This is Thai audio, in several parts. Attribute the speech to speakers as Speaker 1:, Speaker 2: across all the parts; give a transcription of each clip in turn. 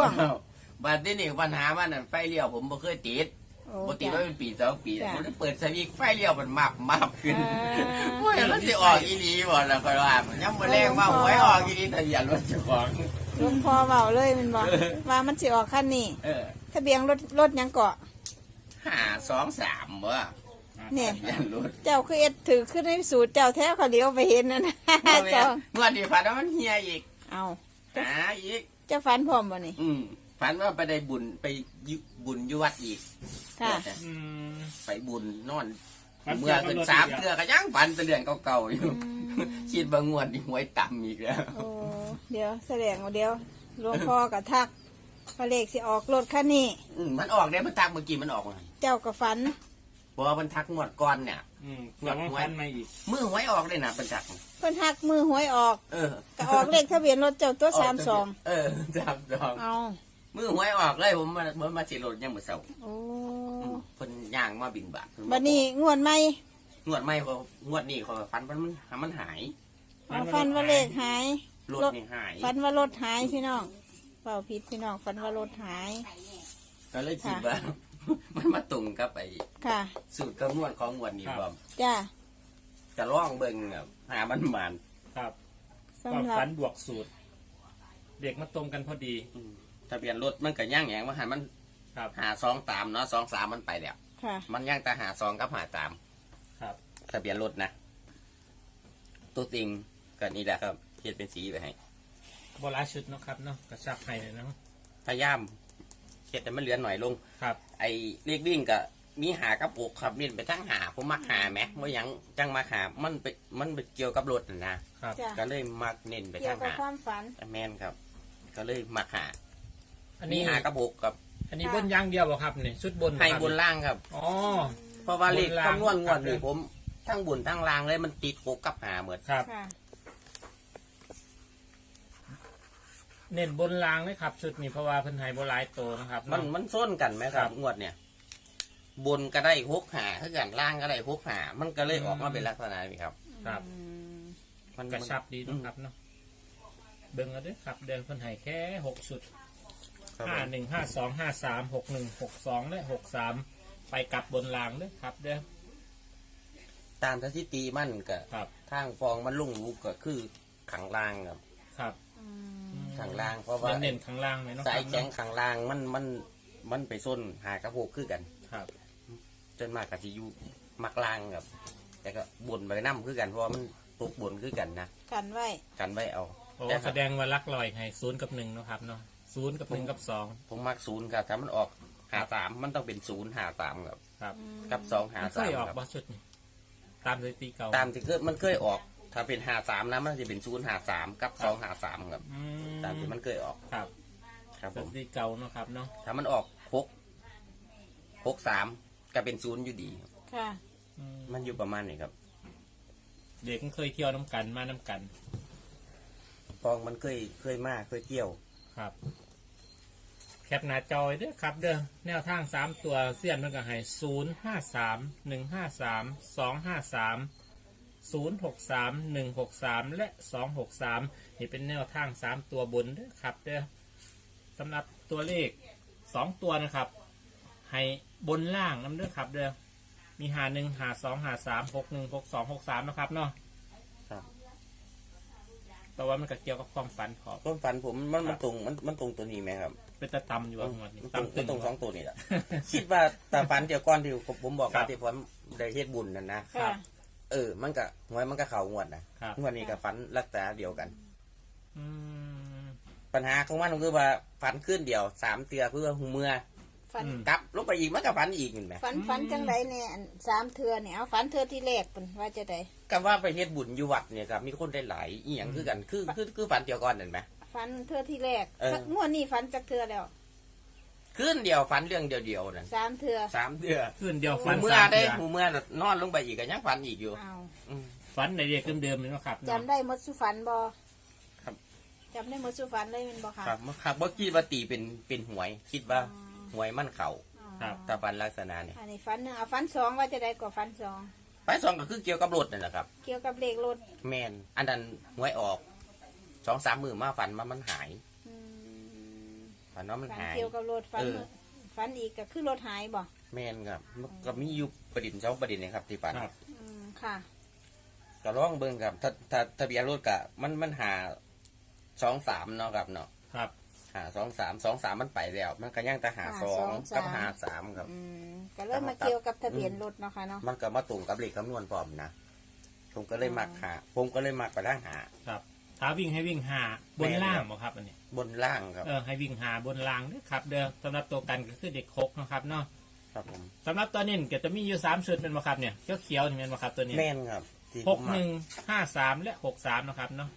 Speaker 1: ง
Speaker 2: บัดนี้นี่ปัญหามันนั่นไฟเลี้ยวผมบ่เคยติดปกติว่าเป็นปี2 ปีผมได้เปิดสวิตช์ไฟเลี้ยวมันมาบขึ้นโอ้ยมันสิออกอีหลีบ่ล่ะค่อยว่ายังบ่แรงว่าหวยออกอีหลีทะเบียนรถเจ้าของ
Speaker 1: หลวงพ่อเว้าเลยแมันบ่ว่ามันสิออกคันนี้ทะเบียนรถหยังเกาะ
Speaker 2: 523บ่
Speaker 1: เนี่ย
Speaker 2: ทะเบียนรถ
Speaker 1: เจ้าคือเอ็ดถือขึ้นในสูตรเจ้าแท้เขาเลี้ยวไปเห็นนั่นนะ
Speaker 2: งวดนี้ฝันว่ามันเฮียอีก
Speaker 1: เอา
Speaker 2: หาอีก
Speaker 1: เจ้าฝันพร้อมบ่นี่
Speaker 2: ฝันว่าไปได้บุญไปบุญอยู่วัดอีก
Speaker 1: ค่ะ
Speaker 2: ไปบุญนอนเมื่อเกิน3 เทื่อก็ยังฝันแต่เรื่องเก่าๆอยู่คิดบางงวดนี่หวยต่ำอีกแล้ว
Speaker 1: โอ้เดี๋ยวแสดงว่าเดี๋ยวหลวงพ่อกับทักพระเลขสิออกรถคันนี้
Speaker 2: มันออกได้มันทักเมื่อกี้มันออกมา
Speaker 1: เจ้ากับฝัน
Speaker 2: เพราะว่ามันทักงวดก่อนเนี่ย
Speaker 3: งวดหวยมาอีก
Speaker 2: มือหวยออกเลยนะเป็นทัก
Speaker 1: เพิ่นทักมือหวยออก
Speaker 2: เออ
Speaker 1: ก็ออกเลขทะเบียนรถเจ้าตัว32
Speaker 2: 32
Speaker 1: เอา
Speaker 2: มือหวยออกเลยผมมาสิรถยังบ่เซา
Speaker 1: โอ้
Speaker 2: เพิ่นย่างมาบินบาท
Speaker 1: บัดนี้งวดใหม่
Speaker 2: งวดใหม่เขางวดนี้เขาฝันมันหาย
Speaker 1: ฝันว่าเลขหาย
Speaker 2: รถนี่หาย
Speaker 1: ฝันว่ารถหายพี่น้องเปล่าผิดพี่น้องฝันว่ารถหาย
Speaker 2: ก็เลยคิดว่า มันมาตรงกับไป
Speaker 1: ค่ะ
Speaker 2: สูตรคำนวณของงวดนี้บ่
Speaker 1: จ้า
Speaker 2: จะลองเบิ่งหามันมัน
Speaker 3: ครับก็
Speaker 1: สำหรับ
Speaker 3: ฝันบวกสูตร เด็กมาตรงกันพอดี
Speaker 2: ทะเบียนรถมันก็ย่างแหงว่าหันมัน
Speaker 3: ครับ
Speaker 2: หา2 ตามเนาะ2 3มันไปแล้ว
Speaker 1: ค่ะ
Speaker 2: มันย่างแต่หา2กับหาตาม
Speaker 3: ครับ
Speaker 2: ทะเบียนรถนะตัวจริงก็นี่แหละครับเขียนเป็นสีไปให้
Speaker 3: โบราณชุดเนาะครับเนาะกระชับให้เลยเนาะ
Speaker 2: พยายามเขียนแต่มันเหลือหน่อยลง
Speaker 3: ครับ
Speaker 2: ไอ้เลขวิ่งก็มีหากับปกครับเน้นไปทั้งหาผมมักหาไหมว่ายังจังมาหามันไปเกี่ยวกับรถนะครับ
Speaker 1: จ้ะ
Speaker 2: ก็เลยมักเน้นไป
Speaker 1: เกี่ย
Speaker 2: ทั้
Speaker 1: ว
Speaker 2: ง
Speaker 1: กับ
Speaker 2: หา
Speaker 1: ความฝัน
Speaker 2: แม่นครับ ก็เลยมักหา
Speaker 3: อัน
Speaker 2: มี
Speaker 3: นี้
Speaker 2: หากับปกกับ
Speaker 3: อันนี้บนอยางเดียวเหรอครับเนี่ยชุดบน
Speaker 2: ให้
Speaker 3: ครับ
Speaker 2: บนล่างครับ
Speaker 3: อ๋อ
Speaker 2: เพราะว่าเลข
Speaker 3: บนล่าง
Speaker 2: คำนวณงวด
Speaker 3: ครั
Speaker 2: นี่
Speaker 3: บ
Speaker 2: ผมทั้งบนทั้งล่างเลยมันติดปกกับหาเหมือน
Speaker 3: ครับ
Speaker 1: ค่ะ
Speaker 3: เน้นบนรางเลยครับ ชุดนี้เพราะว่าเพิ่นให้โบราณโตนะครับ
Speaker 2: มันส้นกันไหมค
Speaker 3: ครั
Speaker 2: รับบ งวดเนี่ย บนก็ได้6 หาถ้ากันล่างก็ได้6 หามันก็เลยออกมาเป็นลักษณะนี้ครับ
Speaker 3: ครับ
Speaker 1: อืม
Speaker 2: มัน
Speaker 3: กระชับดีนะครับเนาะเบิ่งเอาเด้วยครับเดินเพิ่นให้แค่6ชุด
Speaker 2: ครับ
Speaker 3: 51 52 53 61 62และ63ไปกลับบนรางเด้อครับ เด้อ
Speaker 2: ตามสถิติมันก็
Speaker 3: ครับ
Speaker 2: ทางฟองมันลุ่งลุกก็คือขังล่างครับ
Speaker 3: ครับ
Speaker 1: อืม
Speaker 2: ขังล่างเพราะว่า
Speaker 3: เน้นข้างล่างเลยเนาะ
Speaker 2: สาย
Speaker 3: ครับ
Speaker 2: แข็งขังล่างมันไปส้นหากระโปกคือกัน
Speaker 3: ครับ
Speaker 2: จนมากกับที่อยู่มักล่างครับ แต่ก็บนไปน้ำคือกันเพราะว่ามันตกบนคือกันนะ
Speaker 1: กันไว้
Speaker 2: กันไว้เอา
Speaker 3: โอ้
Speaker 2: แต่
Speaker 3: แสดงว่าลักลอยให้0 กับ 1เนาะครับเนาะ0 กับ 1 กับ
Speaker 2: ผมมัก0ครับถ้ามันออก53มันต้องเป็น053ครับ
Speaker 3: 2ครับ
Speaker 2: กับ
Speaker 3: มันเคยออก
Speaker 2: 253ครับ
Speaker 3: บ่ชุดนี้ตามสถิติเก่า
Speaker 2: ตามที่มันเคยออก ถ้าเป็น53นะมันจะเป็น053กับ253ครับ
Speaker 3: อืม
Speaker 2: ตามที่มันเคยออก
Speaker 3: ครับ
Speaker 2: ครับ
Speaker 3: ส
Speaker 2: ผม
Speaker 3: ถิติเก่าเนาะครับเนาะ
Speaker 2: ถ้ามันออก63ก็เป็น0อยู่ดีครับ
Speaker 1: ค่ะ
Speaker 3: อืม
Speaker 2: มันอยู่ประมาณนี้ครับ
Speaker 3: เด็กมันเคยเที่ยวน้ำกันมาน้ำกัน
Speaker 2: ฟองมันเคยมาเคยเที่ยว
Speaker 3: ครับ แคปหน้าจอยเด้อครับ เด้อแนวทาง3ตัวเสี้ยนมันก็ให้053 153 253 063 163 และ 263นี่เป็นแนวทาง3ตัวบนเด้อครับ เด้อสำหรับตัวเลข2ตัวนะครับ ให้บนล่างน้ำเด้อครับ เด้อมี51 52 53 61 62 63นะครับเนาะ
Speaker 2: ครับ
Speaker 3: แต่ว่ามันก็เกี่ยวกับความฝันพอ
Speaker 2: ต้นฝันผมมันตรงมันตรงตัวนี้ไหมครับ
Speaker 3: เป็นตะตำอยู่ว่าหมดนี่
Speaker 2: มันตรง
Speaker 3: ตำตึง
Speaker 2: ตรง2 ตัวนี่แหละ คิดว่าแต่ฝันเดียวก้อนที่ผมบอก
Speaker 3: ครั
Speaker 2: ว่า
Speaker 3: บ
Speaker 2: ที่ผมได้เฮ็ดบุญนั่นนะ
Speaker 1: ค่ะ
Speaker 2: มันก็หวยมันก็เข่างวดนะครับ งวดนี้ก็ฝันลักษณะเดียวกัน
Speaker 3: อืม
Speaker 2: ปัญหาของมันก็คือว่าฝันขึ้นเดียว3 เตือเพื่อหูเมื่อ
Speaker 1: ฝัน
Speaker 2: กลับลงไปอีกมันก็ฝันอีกเห็นไหม
Speaker 1: ฝันจังไรเนี่ยอัน3 เทื่อเนี่ยเอาฝันเทื่อที่แรกเป็นว่าจะได้
Speaker 2: ก็ว่าไปเฮ็ดบุญอยู่วัดเนี่ยครับมีคนได้หลายอีหยังคือกันคือฝันเดียวก่อนเห็นไหม
Speaker 1: ฝันเทื่อที่แรก
Speaker 2: เออ
Speaker 1: สักงวดนี้ฝันจักเทื่อแล้ว
Speaker 2: ขึ้นเดียวฝันเรื่องเดียวนั่น
Speaker 1: 3 เทื่อ
Speaker 2: 3 เตือ
Speaker 3: คืนเดียว
Speaker 2: หู
Speaker 3: ฝัน
Speaker 2: เมื่อ
Speaker 3: สาม
Speaker 2: ได้
Speaker 3: เดือน
Speaker 2: หูเมื่อนอนลงไปอีกก็ยังฝันอีกอยู่
Speaker 1: เอา
Speaker 2: อืม
Speaker 3: ฝันในเด็กเดิมๆเลยเนาะครับ
Speaker 1: จำได้หมดสุฝันบ่
Speaker 2: ครับ
Speaker 1: จำได้หมดสุฝันเลยแมันบ่ค่ะ
Speaker 2: ครับบ่คิดว่าตีเป็นหวย คิดว่าหวยมันเข่า
Speaker 3: ครับ
Speaker 2: ถ้าฝันลักษณะเนี่ย
Speaker 1: อันนี้ฝันหนึ่งเอาฝัน2ว่าจะได้กว่าฝัน2
Speaker 2: ไป2ก็คือเกี่ยวกับรถนั่นแหละครับ
Speaker 1: เกี่ยวกับเลขรถ
Speaker 2: แมนอันนั้นหวยออก2-3 มื้อมาฝันมันหาย
Speaker 1: อืม
Speaker 2: ฝฝันว่ามัน
Speaker 1: ฝัน
Speaker 2: หาย
Speaker 1: เกี่ยวกับรถฝัน ฝันอีกก็คือรถหายบ่
Speaker 2: แม่นครับมันก็มีอยู่ประเด็น2ประเด็นนะครับที่ฝัน
Speaker 3: ครับ
Speaker 1: ค่ะ
Speaker 2: ก็ลองเบิ่งครับถ้าทะเบียนรถก็มันหา23เนาะครับเนาะ
Speaker 3: ครับ
Speaker 2: หา23มันไปแล้ว มันก็ยังแต่หา
Speaker 1: หา
Speaker 2: 2กับหา3ครับ
Speaker 1: ก็เริ่มมาเกี่ยวกับทะเบียนรถเนาะค่ะเนาะ
Speaker 2: มันก็มาตรงกับเลขคำนวณพร้อมนะผมก็เลยมักหาผมก็เลยมักไปทางหา
Speaker 3: ครับถ้าวิ่งให้วิ่งหาบนล่างบ่ครับอันนี้
Speaker 2: บนล่างครับ
Speaker 3: ให้วิ่งหาบนล่างเด้อครับ เด้อสำหรับตัวกันก็คือเด็กคกนะครับเนาะ
Speaker 2: ครับผม
Speaker 3: สำหรับตัวนี้ก็จะมีอยู่3ชุดเป็นบ่ครับเนี่ยเขียวๆนี่เป็นบ่ครับตัวนี้
Speaker 2: แม่นครับที่ผ
Speaker 3: ห
Speaker 2: ม
Speaker 3: ก
Speaker 2: มั
Speaker 3: ห
Speaker 2: ก
Speaker 3: นึ่งห้าสามและ63นะครับเนาะ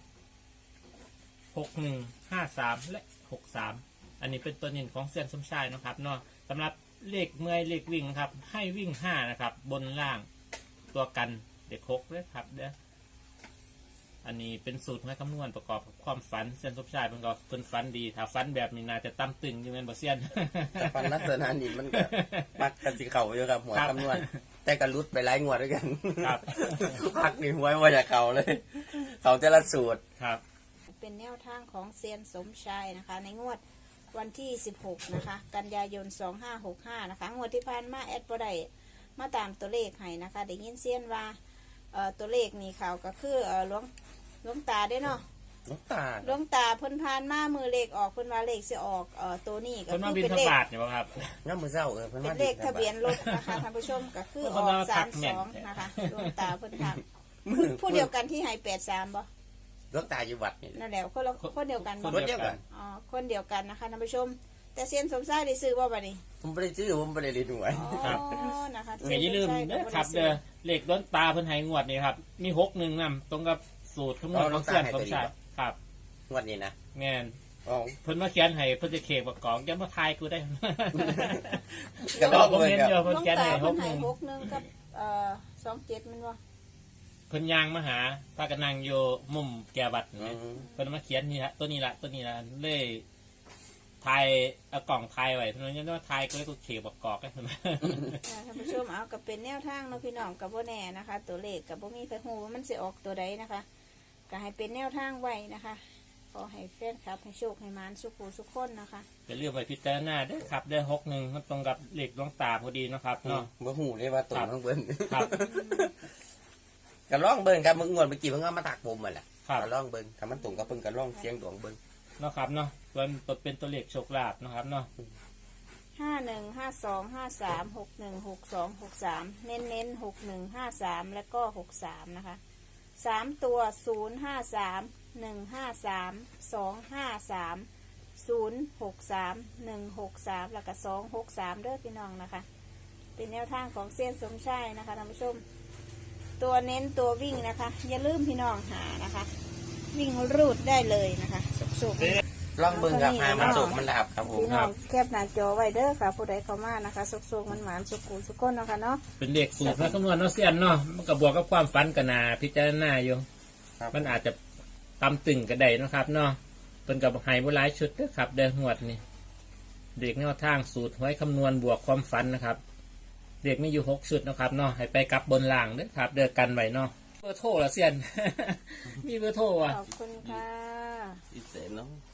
Speaker 3: 6153และ63อันนี้เป็นตัวนินของเซียนสมชายนะครับเนาะสำหรับเลขเมื่อยเลขวิ่งครับ ให้วิ่ง5นะครับ บนล่างตัวกันเด็กคกเลยครับเด้ออันนี้เป็นสูตรให้คำนวณประกอบกับความฝันเซียนสมชายเป็นก็เป็นฝันดีถ้าฝันแบบนี้น่าจะตั้มตึงอยู่แม่นบ่เซียน
Speaker 2: แต่ฟันลักษณะนี้มันก็มักกันสิเข่าอยู่ครับหัว
Speaker 3: ครับ
Speaker 2: คำนวณแต่ก็รุดไปหลายงวดด้วยกัน
Speaker 3: ครับ
Speaker 2: พักนี่หัวว่าจะเข่าเลย เขาแต่ละสูตร
Speaker 3: ครับ
Speaker 1: เป็นแนวทางของเซียนสมชายนะคะ ในงวดวันที่ 16 นะคะ กันยายน 2565 นะคะ งวดที่ผ่านมาแอดบ่ได้มาตามตัวเลขให้นะคะได้ยินเซียนว่าตัวเลขนี่เขาก็คือหลวงตาได้เนาะ
Speaker 2: น้ำตาล
Speaker 1: หลวงตาเพิ่นผ่านมามือเลขออกเพิ่นว่าเลขสิออกตัวนี้ก็
Speaker 3: คน
Speaker 1: คื
Speaker 3: มา
Speaker 1: อ
Speaker 3: บิน
Speaker 1: เป็น
Speaker 3: ท
Speaker 1: เลข
Speaker 3: บาทเนี่ยบ่ครับ
Speaker 2: น้ำมือเศร้าเพิ่น
Speaker 1: เป็
Speaker 2: มาน
Speaker 1: เลขทะเบียนรถนะคะท่านผู้ชมก็คือออก 32 นะคะหลวงตาเพิ่นทำผู้เดียวกันที่ให้83บ่
Speaker 2: น้ำตาอยู่วัดนี่
Speaker 1: นั่นแหละคนเดียวกันบ่
Speaker 2: คนเดียวกัน
Speaker 1: อ๋อคนเดียวกันนะคะท่านผู้ชม แต่เซียนสมชายได้ซื้อบ่บัดนี้
Speaker 2: ผมไม่ได้ซื้อผมไม่ได้เรียนหน่วย
Speaker 1: อ๋อ
Speaker 3: ครับ
Speaker 1: นะคะ
Speaker 3: อย่าลืมนะครับเด้อเลขล้นตาเพิ่นให้งวดนี่ครับ มี61นำตรงกับสูตรคำนวณของเซียนสมชายครับ
Speaker 2: งวดนี้นะ
Speaker 3: แม่น
Speaker 2: อ๋อ
Speaker 3: เพิ่นมาเขียนให้เพิ่นจะเขกประกอบยังมาทายกูได้
Speaker 2: ก็ลอง
Speaker 3: ผม
Speaker 2: เบิ่ง
Speaker 3: เห็น
Speaker 2: ครับ
Speaker 3: เดียว
Speaker 1: หล
Speaker 3: เพิ่น
Speaker 1: วง
Speaker 3: เขียน
Speaker 1: ตา
Speaker 3: ให้
Speaker 1: เพิ่นให้
Speaker 3: 61
Speaker 1: 61กับ27มันบ่
Speaker 3: เพิ่นย่างมาหาพากันนั่งอยู่มุมแก่บัตร
Speaker 2: อื
Speaker 3: นี่
Speaker 2: ม
Speaker 3: เพิ่นมาเขียนนี่ละตัวนี้ละเลยทายเอากล่องทายไว้เท่านั้นยังว่าทายก็เลยกูเขกประกอบได้เท่านั้น
Speaker 1: ท่านผู้ชมเอากับเป็นแนวทางเนาะพี่น้องกับบ่แน่นะคะ ตัวเลขกับบ่มีใครฮู้ว่ามันสิออกตัวใดนะคะก็ให้เป็นแนวทางไว้นะคะขอให้แฟนคลับให้โชคให้หมานสุขหูสุขคนนะคะ
Speaker 3: จะเลือกไปพิจารณาเด้อครับเด้อ61มันตรงกับเลขดวงตาพอดีเนาะครับเนาะ
Speaker 2: บ่หูเลยว่าตรงข้างบน
Speaker 3: ครับ
Speaker 2: ก็ลองเบิ่งครับมึงงวดเมื่อกี้เพิ่งเอามาถักผมมาแหละ
Speaker 3: ครับ
Speaker 2: ก็ลองเบิ่งถ้ามันตรงกับเพิ่งก็ลองเสียงดวงเบิ่ง
Speaker 3: เนาะครับเนาะส่วนตัวเป็นตัวเลขโชคลาภเนาะครับเนาะ
Speaker 1: 515253616263เน้น6153แล้วก็63นะคะ3ตัว053153253253 แล้วก็263เด้อพี่น้องนะคะ เป็นแนวทางของเส้นสมชายนะคะท่านผู้ชม ตัวเน้นตัววิ่งนะคะ อย่าลืมพี่น้องหานะคะ วิ่งรูดได้เลยนะคะสุกๆ
Speaker 2: ลองเบิ่งครับหามันสุกมันดับครับผม
Speaker 1: พี่น้องแคบหน้าจอไว้เด้อค่ะ ผู้ใดเข้ามานะคะสุกๆมันหวานสุกุสุกก้นเนาะค่ะเนาะ
Speaker 3: เป็นเลขสูตรและคำนวณเนาะเซียนเนาะมันก็บวกกับความฝันกันนาพิจารณาอยู่
Speaker 2: ครับ
Speaker 3: มันอาจจะตำตึงกระไดเนาะครับเนาะเป็นกับไฮโบราณชุดเด้อครับเดินหวดนี่เด็กแนวทางสูตรไว้คำนวณบวกความฝันนะครับ เด็กมีอยู่6ชุดนะครับเนาะให้ไปกลับบนล่างเด้อครับ เดินกันไว้เนาะเบอร์โทรละเซียน มีเบอร์โทรอ่ะ
Speaker 1: ขอบคุณค่ะ
Speaker 2: พิเศษเนาะ